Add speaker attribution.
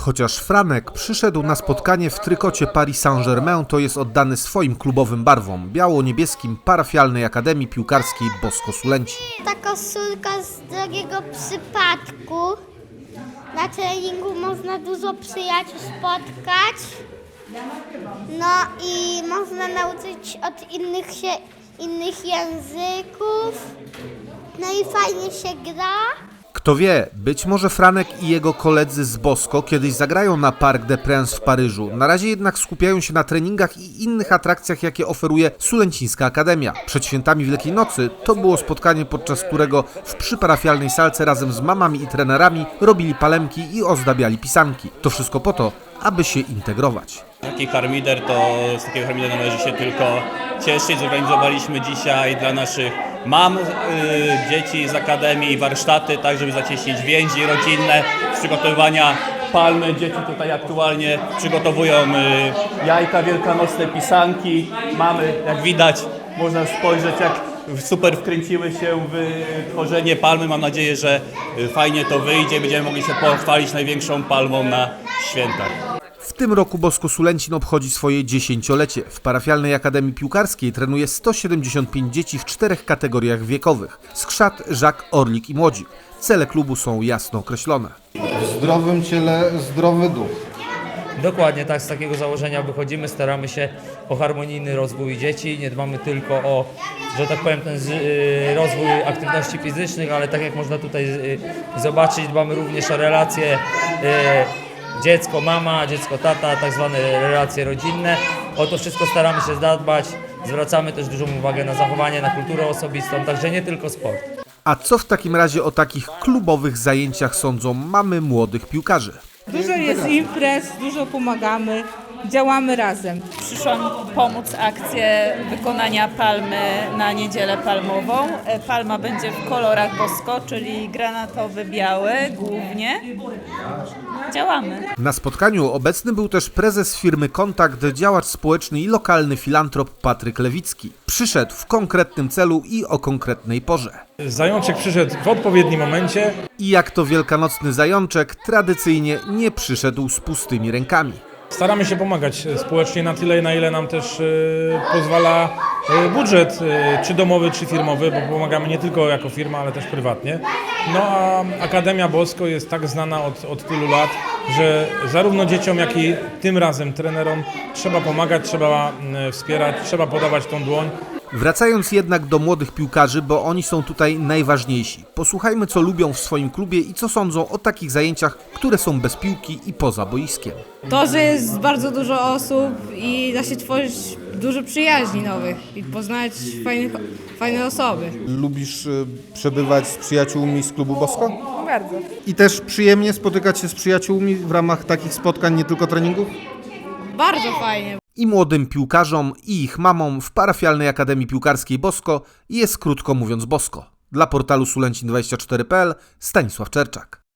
Speaker 1: Chociaż Franek przyszedł na spotkanie w trykocie Paris Saint-Germain, to jest oddany swoim klubowym barwom, biało-niebieskim parafialnej Akademii Piłkarskiej Bosko Sulencin.
Speaker 2: Ta koszulka z drogiego przypadku. Na treningu można dużo przyjaciół spotkać. No i można nauczyć od innych języków. No i fajnie się gra.
Speaker 1: Kto wie, być może Franek i jego koledzy z Bosko kiedyś zagrają na Parc des Princes w Paryżu. Na razie jednak skupiają się na treningach i innych atrakcjach, jakie oferuje Sulencińska Akademia. Przed świętami Wielkiej Nocy to było spotkanie, podczas którego w przyparafialnej salce razem z mamami i trenerami robili palemki i ozdabiali pisanki. To wszystko po to, aby się integrować.
Speaker 3: Taki harmider to z takiego harmidera należy się tylko cieszyć. Zorganizowaliśmy dzisiaj dla naszych mam, dzieci z Akademii warsztaty, tak żeby zacieśnić więzi rodzinne, z przygotowywania palmy. Dzieci tutaj aktualnie przygotowują jajka wielkanocne, pisanki. Mamy, jak widać, można spojrzeć, jak super wkręciły się w tworzenie palmy. Mam nadzieję, że fajnie to wyjdzie. Będziemy mogli się pochwalić największą palmą na świętach.
Speaker 1: W tym roku Bosko Sulencin obchodzi swoje 10-lecie. W parafialnej Akademii Piłkarskiej trenuje 175 dzieci w 4 kategoriach wiekowych: skrzat, żak, orlik i młodzik. Cele klubu są jasno określone.
Speaker 4: W zdrowym ciele zdrowy duch.
Speaker 5: Dokładnie tak, z takiego założenia wychodzimy, staramy się o harmonijny rozwój dzieci, nie dbamy tylko o, że tak powiem, ten rozwój aktywności fizycznych, ale tak jak można tutaj zobaczyć, dbamy również o relacje dziecko, mama, dziecko, tata, tak zwane relacje rodzinne. O to wszystko staramy się zadbać, zwracamy też dużą uwagę na zachowanie, na kulturę osobistą, także nie tylko sport.
Speaker 1: A co w takim razie o takich klubowych zajęciach sądzą mamy młodych piłkarzy?
Speaker 6: Dużo jest imprez, dużo pomagamy, działamy razem.
Speaker 7: Przyszłam pomóc akcję wykonania palmy na niedzielę palmową. Palma będzie w kolorach Bosko, czyli granatowy, biały głównie. Działamy.
Speaker 1: Na spotkaniu obecny był też prezes firmy Kontakt, działacz społeczny i lokalny filantrop Patryk Lewicki. Przyszedł w konkretnym celu i o konkretnej porze.
Speaker 8: Zajączek przyszedł w odpowiednim momencie.
Speaker 1: I jak to wielkanocny zajączek, tradycyjnie nie przyszedł z pustymi rękami.
Speaker 8: Staramy się pomagać społecznie na tyle, na ile nam też pozwala budżet, czy domowy, czy firmowy, bo pomagamy nie tylko jako firma, ale też prywatnie. No a Akademia Bosko jest tak znana od tylu lat, że zarówno dzieciom, jak i tym razem trenerom trzeba pomagać, trzeba wspierać, trzeba podawać tą dłoń.
Speaker 1: Wracając jednak do młodych piłkarzy, bo oni są tutaj najważniejsi. Posłuchajmy, co lubią w swoim klubie i co sądzą o takich zajęciach, które są bez piłki i poza boiskiem.
Speaker 6: To, że jest bardzo dużo osób i da się tworzyć dużo przyjaźni nowych i poznać fajne osoby.
Speaker 4: Lubisz przebywać z przyjaciółmi z klubu Bosko?
Speaker 6: Bardzo.
Speaker 4: I też przyjemnie spotykać się z przyjaciółmi w ramach takich spotkań, nie tylko treningów?
Speaker 6: Bardzo fajnie.
Speaker 1: I młodym piłkarzom, i ich mamom w parafialnej Akademii Piłkarskiej Bosko jest, krótko mówiąc, Bosko. Dla portalu Sulencin24.pl Stanisław Czerczak.